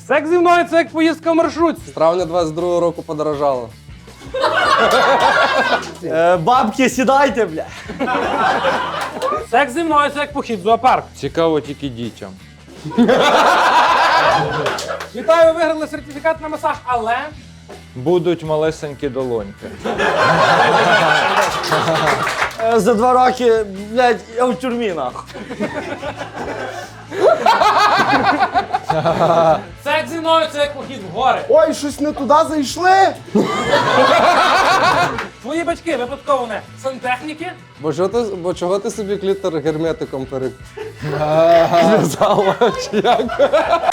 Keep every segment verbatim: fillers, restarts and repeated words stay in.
Секс зі мною – це як поїздка в маршрутці. З травня двадцять другого року подорожало. Е, бабки, сідайте, бля. Секс зі мною – це як похід в зоопарк. Цікаво тільки дітям. Вітаю, ви виграли сертифікат на масаж, але... Будуть малесенькі долоньки. Е, за два роки, блядь, я в тюрмі, нахуй. Секс зі мною – це як похід в гори. Ой, щось не туди зайшли. Твої батьки випадково не сантехніки? Бо, що ти, бо чого ти собі клітор герметиком перев'язала? Чи як?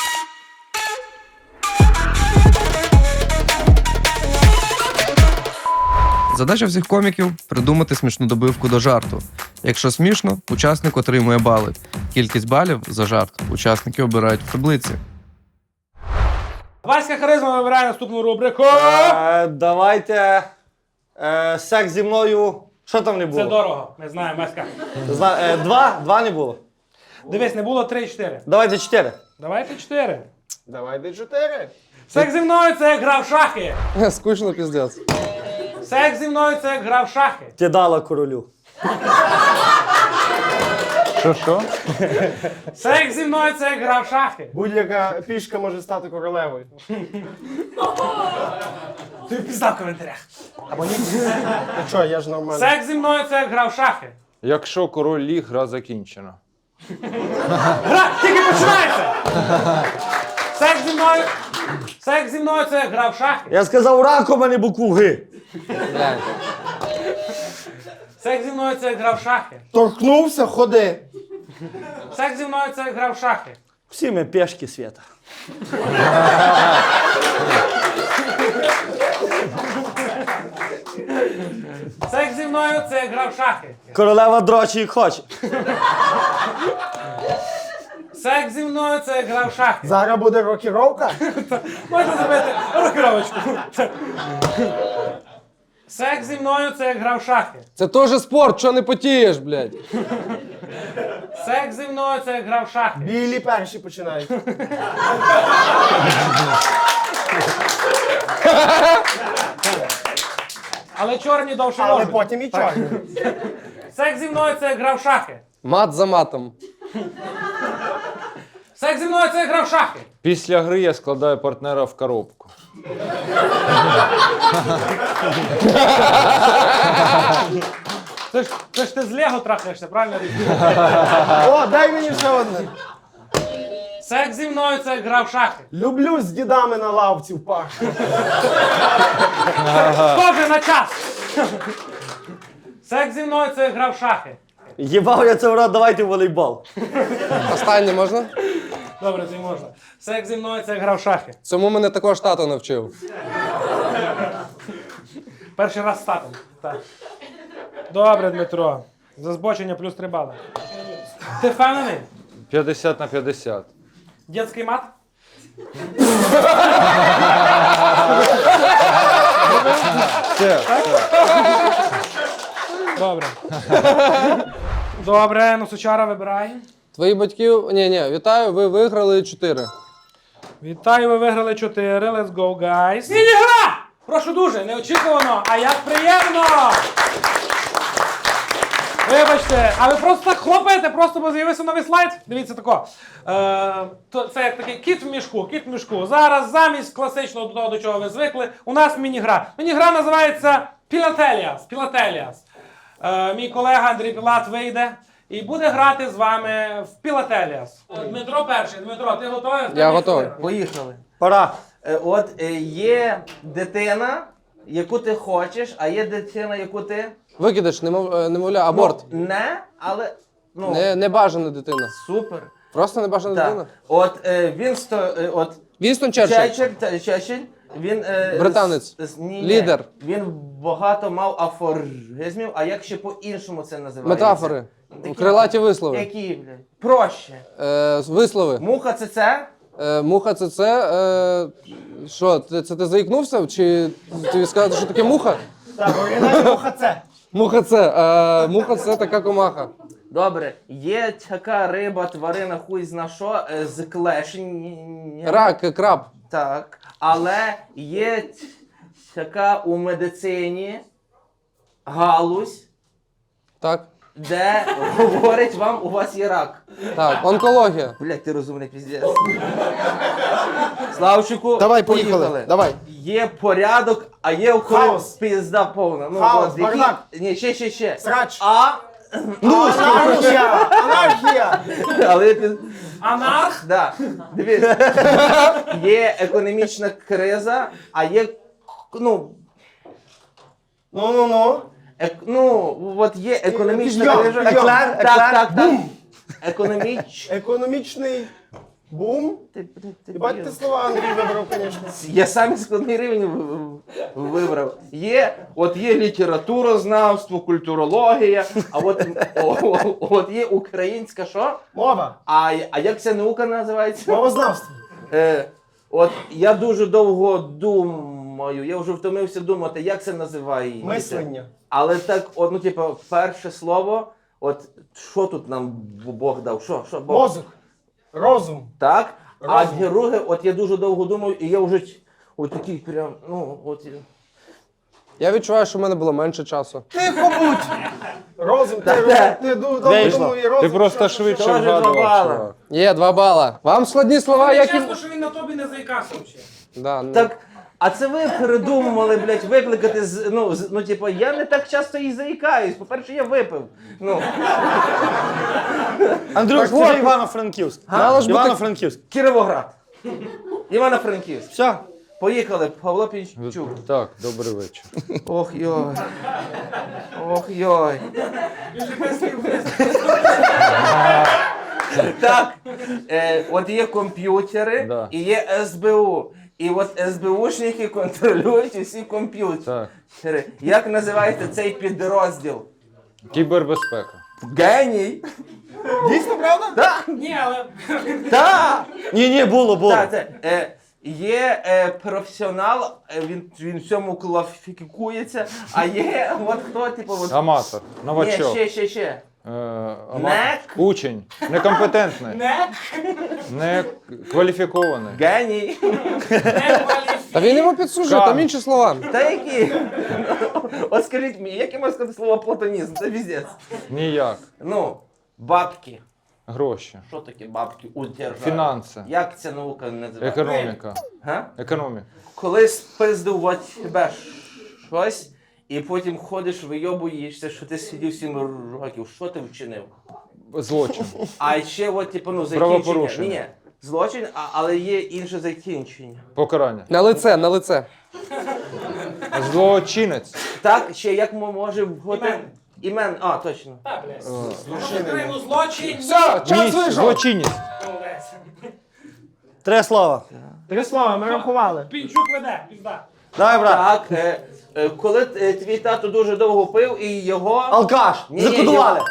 Задача всіх коміків – придумати смішну добивку до жарту. Якщо смішно, учасник отримує бали. Кількість балів за жарт учасники обирають в таблиці. Васька Харизма вибирає наступну рубрику. Е, давайте. Е, секс зі мною. Що там не було? Це дорого, ми знаємо, Васька. Зна- е, два? Два не було. Дивись, не було три-чотири. Давайте чотири. Давайте чотири. Давайте чотири. Секс зі мною – це як гра в шахи. Скучно, піздець. Секс зі мною – це як гра в шахи. Ти дала королю. Що-що? Секс зі мною – це як гра в шахи. Будь-яка пішка може стати королевою. Ти пізда в коментарях. Або ні. Ну що, я ж нормально. Секс зі мною – це як гра в шахи. Якщо король ліг, гра закінчена. Гра тільки починається. Секс зі мною... Секс зі мною – це як гра в шахи. Я сказав раком, а не букву Г. Блядь. Секс зі мною – це як гра в шахи. Торкнувся, ходи. Секс зі мною – це як гра в шахи. Всі ми пешки, Свята. Секс зі мною – це як гра в шахи. Королева дрочі як хоче. Секс зі мною – це як гра в шахи. Зараз буде рокіровка. Можна зробити рокировочку. Секс зі мною – це як гра в шахи. Це теж спорт, що не потієш, блядь. Секс зі мною – це як гра в шахи. Білі перші починають. Але чорні довше Але можуть. потім і чорні. Секс зі мною – це як гра в шахи. Мат за матом. Секс зі мною – це як гра в шахи. Після гри я складаю партнера в коробку. Це ж, це ж ти з Лего трахаєшся, правильно? О, дай мені ще одне. Секс зі мною – це як гра в шахи. Люблю з дідами на лавці в парку. Схоже на час. Секс зі мною – це як гра в шахи. Єбав я це в рот, давайте в волейбол. Останнє можна? Добре, це можна. Секс зі мною – це як гра в шахи. Цьому мене також тато навчив. Перший раз з татом. Так. Добре, Дмитро. За збочення плюс три бали. Ти впевнений? п'ятдесят на п'ятдесят. Дєтський мат? Все, Добре. Добре, ну Сучара вибирай. Твої батьки... Ні, ні, вітаю, ви виграли чотири. Вітаю, ви виграли чотири. Let's go, guys. Міні-гра! Прошу дуже, неочікувано, а як приємно! Вибачте, а ви просто так хлопаєте, просто бо з'явився новий слайд. Дивіться тако. Е, то, це як такий кіт в мішку, кіт в мішку. Зараз замість класичного до того, до чого ви звикли, у нас міні-гра. Міні-гра називається Пілателіас. Пілателіас. Е, мій колега Андрій Пілат вийде і буде грати з вами в Пілателіас. Дмитро перший. Дмитро, ти готовий? Я готовий. Поїхали. Пора. Е, От е, є дитина, яку ти хочеш, а є дитина, яку ти Викидиш, немов, е, немовля, аборт. Ну, не, але ну Не, небажана дитина. супер. Просто небажана Так. дитина. От е, він сто е, от Вінстон Черчилль. Черчилль, та- Черчилль, він е, Британець. з- з- ні, ні. Лідер. Він багато мав афоризмів, а як ще по-іншому це називається? Метафори. Такі- Крилаті вислови. Які, блядь? Проще. Е, вислови. Муха це це? Е, муха це це. Е, що, це, це ти заїкнувся? Чи тобі сказати, що таке муха? Так, оригінальна муха це. Муха це. Е, муха це така комаха. Добре, є така риба, тварина, хуй зна що, е, з клешень. Рак, краб. Так. Але є т- така у медицині галузь, Так. де говорять вам, у вас є рак. Так, онкологія. Блять, ти розумний піздець. Славчику, Давай, поїхали. Давай. Є порядок, а є у когось Хаос. пізда повна. Ну, Хаос, от, які- бардак. Ні, ще, ще, ще. Срач. А, Анархія! Анархія! але я піз... Анарх? Да. Дивись. Є економічна криза, а є, ну, Ну-ну-ну. ек, ну, от є економічна Підйом, криза. підйом. Так, Еклер, так, так. бум. Економіч... Економічний бум. Ти, блядь, ти Бать ти блін. слова Андрій вибрав, звісно. Я самі складний рівень в- в- вибрав. Є, от є літературознавство, культурологія, а от, о, о, от є українська що? Мова. А, а як ця наука називається? Мовознавство. Е, от я дуже довго думаю, я вже втомився думати, як це називається. Мислення. Але так, от, ну, типу, перше слово, от що тут нам Бог дав? Що? Що Бог? Мозок. Розум. Так? А Розум. друге, от я дуже довго думаю, і я вже от такий прям, ну, от. Я відчуваю, що в мене було менше часу. Тихо будь! Розум, ти, Та-та. розум, ти ду- довго Вийшло. думав і розум. Ти просто що- швидше Тоже два вгадував, бала. чувак. Є, два бала. Вам складні слова, як і... Чесно, що він на тобі не заїкався взагалі. Да, ну. Так, а це ви придумували, блядь, викликати з, ну, з, ну, типу, я не так часто і заїкаюсь. По-перше, я випив. Ну, Андрюш, Так це от. ж Івано-Франківськ. Мало ж бути- Івано-Франківськ. Кіровоград. Івано-Франківськ. Все. Поїхали, Павло Пінчук. Так, добрий вечір. Ох йой. Ох йой. Так, е, от є комп'ютери Да. і є ес бе у. І от ес бе ушники контролюють усі комп'ютери. Так. Як називається цей підрозділ? Кібербезпека. Геній. Дійсно, правда? Так, Ні, але так. Ні, ні, було, було. Так, це, е, є е, професіонал, е, він, він в цьому кваліфікується, а є от хто, типу, от, Аматор. ні, Новачок. ще, ще, ще. Е, аматор. Нек. Учень. Некомпетентний. не, Не кваліфікований. Геній. не кваліфікований. Та він йому підсужує, там інші слова. Та які? От скажіть мені, як я можу сказати слово платонізм? Це віздець. Ніяк. Ну, бабки. Гроші. Що таке бабки у державі? Фінанси. Як ця наука називається? Економіка. Га? Економіка. Коли спиздив от тебе щось, і потім ходиш, вийобуєшся, що ти сидів сім років, що ти вчинив? Злочин. А ще от, типу, ну, закінчення. Правопорушення. Ні, ні, злочин, а, але є інше закінчення. Покарання. На лице, на лице. Злочинець. Так, ще як мо- може бути... Імен. Імен, а, точно. Та, блядь. Відкриємо злочин. Все, час Ніч. вийшов. Злочинець. Молодець. Три слова. Три слова, ми рахували. Пінчук веде, пізда. Давай, брат. Так, е, е, коли е, твій тато дуже довго пив і його... Алкаш. Ні, Закодували.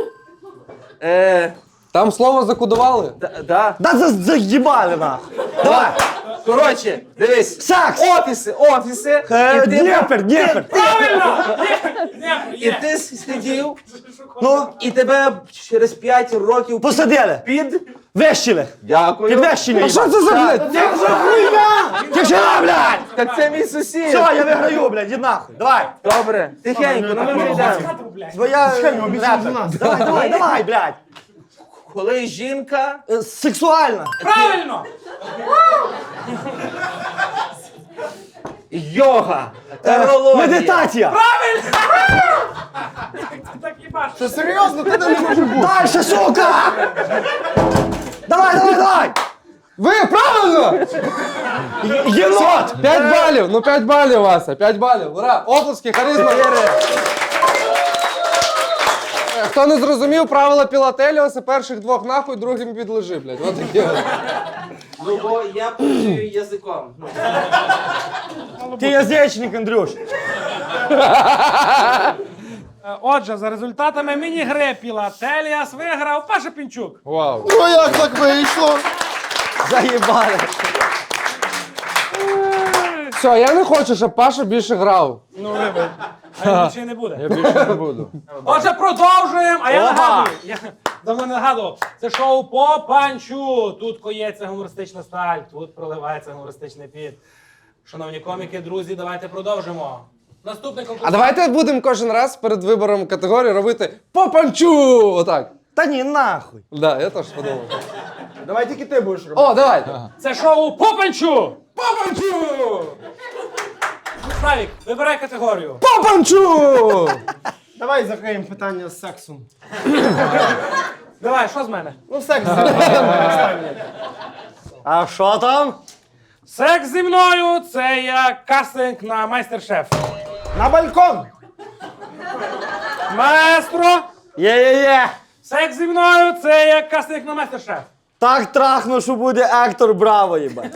Е, Там слово закодували. да, да. Да за- заїбали нахуй. Давай. Коротше, дивись. Секс. Офіси, офіси. Е, і ти- Дніпер, Дніпер. Не, І є. ти сидів, Ну, і тебе через п'ять років посадили. під... Вещили. Дякую. Підвещені. А що це за, блядь? Тишина, блядь. Так це мій сусід. Все, я виграю, блядь, іди нахуй. Давай. Добре, тихенько, ну ми вже йдемо. Хату, блядь. Бо я Чекай, ми обіцяли репер. за нас. Давай, давай, давай, блядь. Коли жінка... Е, Сексуальна. Правильно! Йога, Е, тарологія. Медитація. Так хіба ж. Це серйозно, ти не може бути. Дальше, сука. Давай, давай, давай. Ви правильно! Єнот. П'ять балів, ну п'ять балів, Вася, п'ять балів. Ура! Оплески, харизма. Е, Хто не зрозумів, правила Пілателіоса, перших двох нахуй, другим підлежи, блядь. От такі. от. Ну, бо я працюю язиком. Ну. Ти язичник, Андрюш. Е, Отже, за результатами міні-гри Пілателіас виграв Паша Пінчук. Вау. Ну як так вийшло? Заїбали. Все, я не хочу, щоб Паша більше грав. Ну, вибач. А він більше не буде. Я більше не буду. Отже, продовжуємо. А я Опа! нагадую, я давно не нагадував. Це шоу по панчу. Тут коється гумористична сталь, тут проливається гумористичний піт. Шановні коміки, друзі, давайте продовжимо. Наступний конкурс. А давайте будемо кожен раз перед вибором категорії робити по панчу! Отак. Та ні, нахуй. Да, я теж подумав. Давай тільки ти будеш робити. О, давайте. Це шоу по панчу. По панчу! Славік, вибирай категорію. По панчу! Давай закриємо питання з сексом. Давай, що з мене? Ну, секс останнє. А що там? Секс зі мною це як кастинг на майстер-шеф. На балкон! Маестро, Є-є-є. секс зі мною це як кастинг на майстер-шеф. Так трахну, що буде Ектор Браво, їбать.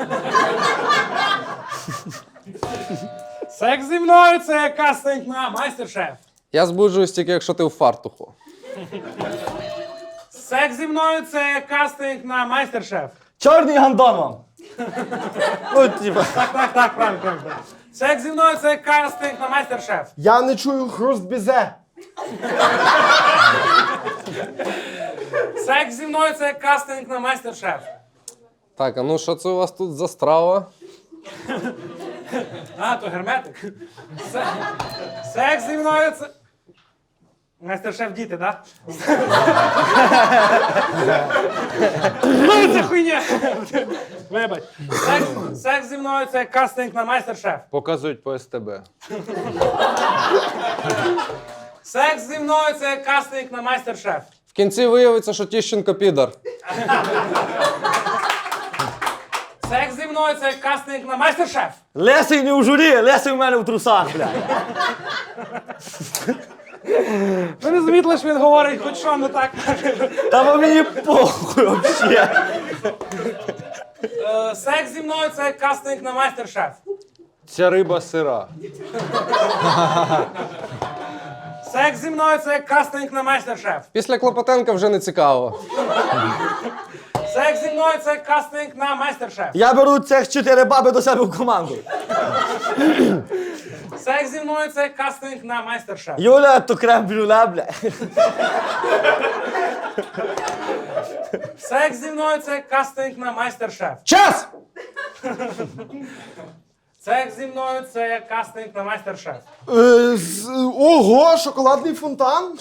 Секс зі мною це як кастинг на майстер-шеф. Я збуджуюсь тільки, якщо ти у фартуху. Секс зі мною це як кастинг на майстер-шеф. Чорний гандон вам. Ну, типа. Так, так, так, правильно, правильно. Секс зі мною це як кастинг на майстер-шеф. Я не чую хруст бізе. Секс зі мною це як кастинг на майстер-шеф. Так, а ну що це у вас тут за страва? А, то герметик. Се- Секс зі мною це. Майстер-шеф діти, так? Ну, це хуйня! Вибач. Секс, секс зі мною це кастинг на майстер-шеф. Показують по СТБ. Секс зі мною це кастинг на майстер-шеф. В кінці виявиться, що Тіщенко підар. Секс зі мною це кастинг на майстер-шеф. Лесий не у журі, Лесий у мене в трусах, блядь. Ви не замітили, що він говорить, хоч що не так. Та бо мені похуй вообще. Е, Секс зі мною це кастинг на майстер-шеф. Ця риба сира. Секс зі мною це кастинг на майстер-шеф. Після Клопотенка вже не цікаво. Секс зі мною це кастинг на майстер-шеф. Я беру цих чотири баби до себе в команду. Секс зі мною це кастинг на майстер-шеф. Юля, то крем-брюле, блядь. Секс зі мною це кастинг на майстер-шеф. Час! Секс зі мною це кастинг на майстер-шеф. Е, з- Ого, шоколадний фонтан?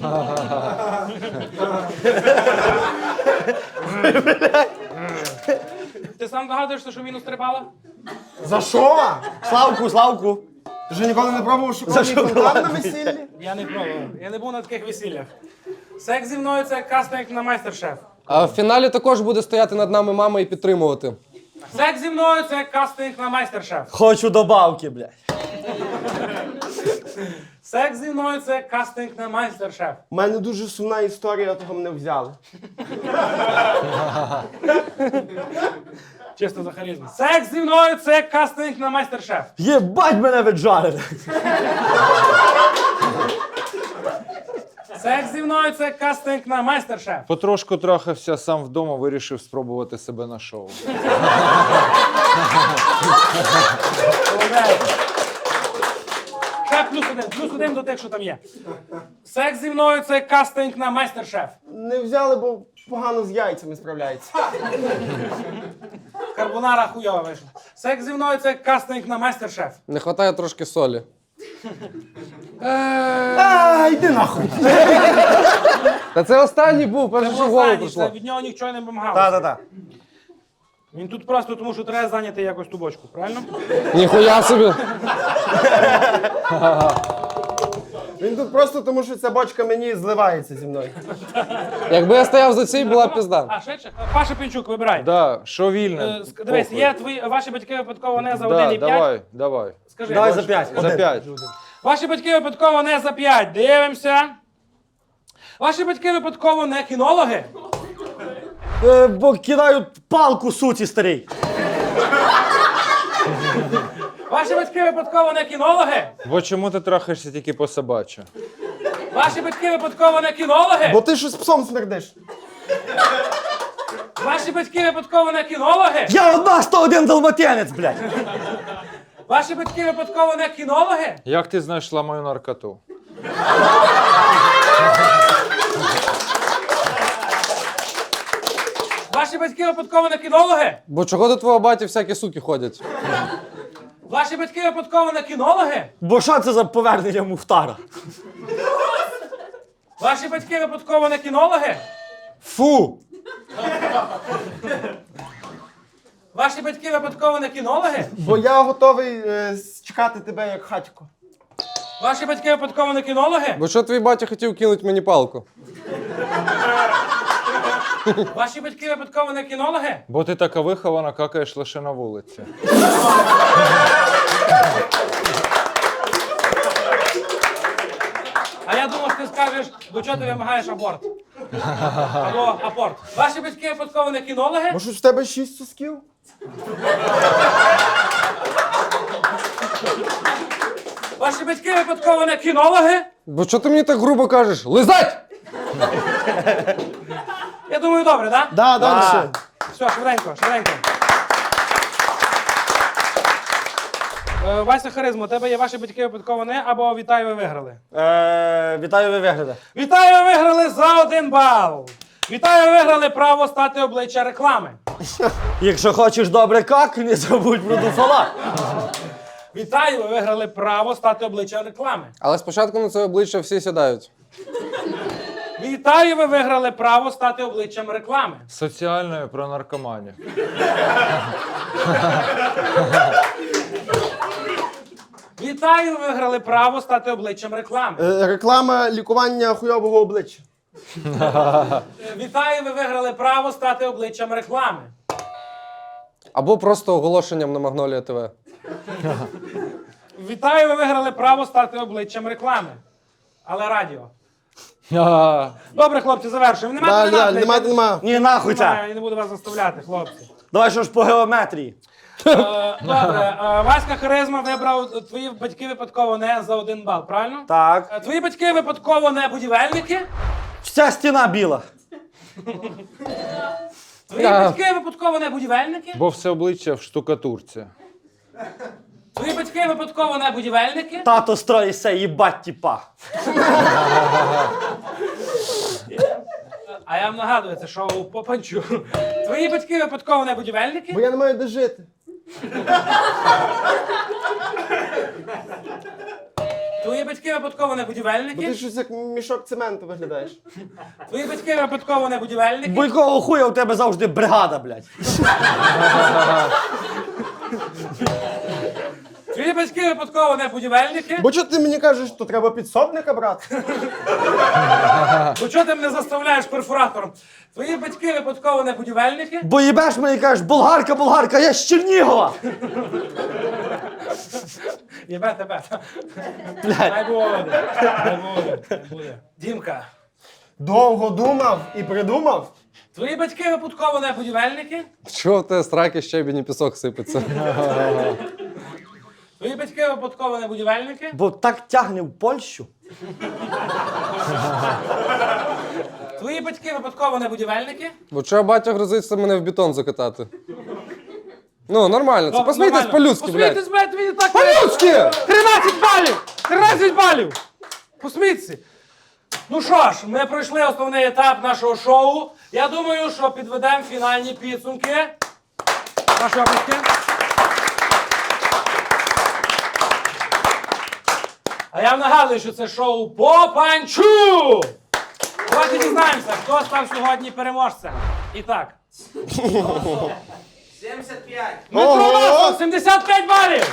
Ти сам догадуєшся, що мінус стрибала? За що? Славку, Славку. Ти вже ніколи не пробував шоколадний фонтан на весіллі? Я не пробував. Я не був на таких весіллях. Секс зі мною це кастинг на майстер-шеф. А в фіналі також буде стояти над нами мама і підтримувати. Секс зі мною це кастинг на майстер-шеф. Хочу добавки, блядь. Секс зі мною це кастинг на майстер-шеф. У мене дуже сумна історія, того мене взяли. Чисто за харизму. Секс зі мною це кастинг на майстер-шеф. Єбать мене віджарили. Секс зі мною це кастинг на майстер-шеф. Потрошку трахався сам вдома, вирішив спробувати себе на шоу. Ще плюс один, плюс один до тих, що там є. Секс зі мною це кастинг на майстер-шеф. Не взяли, бо погано з яйцями справляється. Карбонара хуйова вийшла. Секс зі мною це кастинг на майстер-шеф. Не вистачає трошки солі. А, йди нахуй. Та це останній був, перше, що в голову Останній, прийшло. це від нього нічого не вимагалося. Та-та-та. Він тут просто тому, що треба зайняти якось ту бочку, правильно? Ніхуя собі. Він тут просто тому, що ця бочка мені зливається зі мною. Якби я стояв за цій, була б пізда. А, швидше? Паша Пінчук, вибирай. Да, що Е, вільне. ск- Дивись, похуй. є твої, ваші батьки випадково не за Да, один і п'ять. давай, давай. Скажи, Давай Гош. за п'ять. За п'ять. Ваші батьки випадково не за п'ять. Дивимося. Ваші батьки випадково не кінологи. Е, бо кидають палку суті старій. Ваші батьки випадково не кінологи. Бо чому ти трахаєшся тільки по собачі? Ваші батьки випадково не кінологи. Бо ти щось псом смердиш. Ваші батьки випадково не кінологи. Я одна сто один далматинець, блядь. Ваші батьки випадково не кінологи? Як ти знайшла мою наркоту? Ваші батьки випадково не кінологи? Бо чого до твого баті всякі суки ходять? Ваші батьки випадково не кінологи? Бо що це за повернення Мухтара? Ваші батьки випадково не кінологи? Фу! Ваші батьки випадково не кінологи? Бо я готовий е, чекати тебе як хатько. Ваші батьки випадково не кінологи? Бо що твій батя хотів кинуть мені палку? Ваші батьки випадково не кінологи? Бо ти така вихована, какаєш лише на вулиці. А я думав, ти скажеш, до чого ти вимагаєш аборт? Або апорт. Ваші батьки випадково не кінологи? Може, в тебе шість сосків? Ваші батьки випадково не кінологи? Бо що ти мені так грубо кажеш? Лизать! Я думаю, добре, так? Да, далі. Все, швиденько, швиденько. Е, Вася Харизма, у тебе є ваші батьки випадково не, або вітаю, ви виграли. Е, вітаю, ви вигляде. Вітаю, ви виграли за один бал. Вітаю, ви виграли право стати обличчя реклами. Якщо хочеш добре как, не забудь про дуфала. Вітаю, ви виграли право стати обличчя реклами. Але спочатку на це обличчя всі сідають. Вітаю, ви виграли право стати обличчям реклами. Соціальною про наркоманів. Вітаю, ви виграли право стати обличчям реклами. Е, реклама лікування хуйового обличчя. Вітаю, ви виграли право стати обличчям реклами. Або просто оголошенням на Магнолія ТВ. Вітаю, ви виграли право стати обличчям реклами. Але радіо. Добре, хлопці, завершуємо. Нема Далі, нема, далі, нема, нема. Ні, нахуй це. Я не буду вас заставляти, хлопці. Давай що ж по геометрії. Е, Добре, е, Васька Харизма вибрав твої батьки випадково не за один бал, правильно? Так. Е, Твої батьки випадково не будівельники? Вся стіна біла. Твої Да. батьки випадково не будівельники? Бо все обличчя в штукатурці. Твої батьки випадково не будівельники? Тато строїться, їбать тіпа. А я вам нагадую, це шоу по панчу. Твої батьки випадково не будівельники? Бо я не маю де жити. Твої батьки випадково не Бо ти будівельники? щось як мішок цементу виглядаєш. Твої батьки випадково не будівельники? Бо якого хуя у тебе завжди бригада, блядь. Твої батьки випадково не будівельники? Бо чого ти мені кажеш, то треба підсобника брати? Бо чого ти мене заставляєш перфоратором? Твої батьки випадково не будівельники? Бо їбеш мені і кажеш, болгарка, болгарка, я з Чернігова. Єбе тебе. Хай буде. Хай буде. Хай буде. Дімка, Довго думав і придумав. твої батьки випадково не будівельники? Чого в тебе страки, щебінь і пісок сипеться? Твої батьки випадково не будівельники? Бо так тягне в Польщу. Твої батьки випадково не будівельники? Бо чого батя грозиться мене в бетон закатати? Ну, нормально, це Добре, посмійтесь нормально. по-людськи, блядь. Посмійтесь, блядь, тобі так... По-людськи! тринадцять балів! тринадцять балів! Посміться! Ну що ж, ми пройшли основний етап нашого шоу. Я думаю, що підведемо фінальні підсумки. Ваші обласки. А я вам нагадую, що це шоу по панчу! Давайте дізнаємося, хто став сьогодні переможцем. І так. сімдесят п'ять. Дмитро Ого! Масов, сімдесят п'ять балів!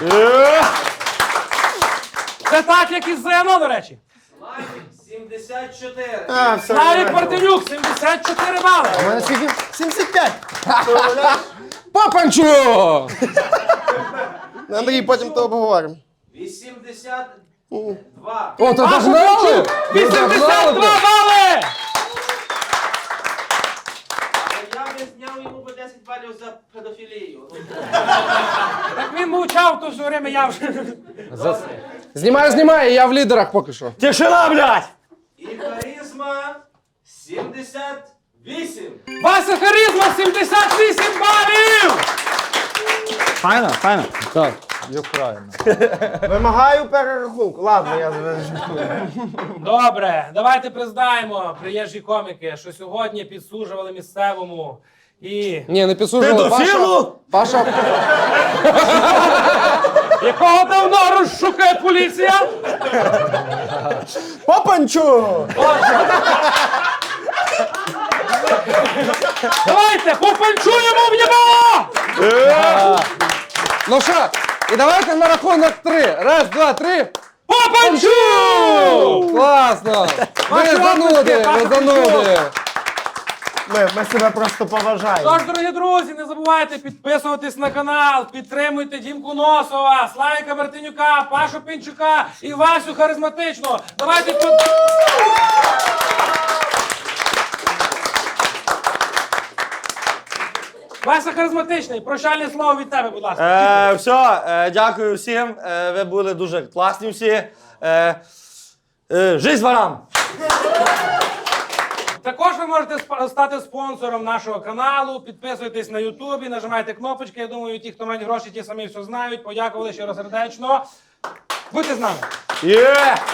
Це так, як і з ЗНО, до речі. сімдесят чотири. А, все. Славік Мартинюк, сімдесят чотири бали. У мене скільки? сімдесят п'ять. Папанчу! Андрій, потім то обговоримо. вісімдесят два. О, то Паша догнали! Панчук, вісімдесят два бали! Я би зняв йому по десять балів за педофілію. Так він мовчав, то все время я вже. Знімай, знімай, я в лідерах поки що. Тишина, блядь! І харизма сімдесят вісім. Вася Харизма, сімдесят вісім балів! Файно, файно. Так. Юкраїна. Вимагаю перерахунку. Ладно, я жартую. Добре, давайте признаємо, приїжджі коміки, що сьогодні підсуджували місцевому і Ні, не підсуджували. Педофілу? Паша, Паша, якого давно розшукає поліція. Попанчу! Давайте, попанчуємо в єбало! ну що, і давайте на рахунок три. Раз, два, три. Попанчу! Класно! Ви Ваші зануди, оплески, ви Паша зануди. Ми, ми себе просто поважаємо. Тож, дорогі друзі, не забувайте підписуватись на канал, підтримуйте Дімку Носова, Славіка Мартинюка, Пашу Пінчука і Васю Харизматичного. Давайте під... Вася Харизматичний, прощальне слово від тебе, будь ласка. Е, все, е, дякую всім. Е, ви були дуже класні всі. Е, е, жизнь ворам! Також ви можете сп- стати спонсором нашого каналу, підписуйтесь на Ютубі, нажимайте кнопочки. Я думаю, ті, хто мають гроші, ті самі все знають. Подякували щиросердечно. Будьте з нами. Є!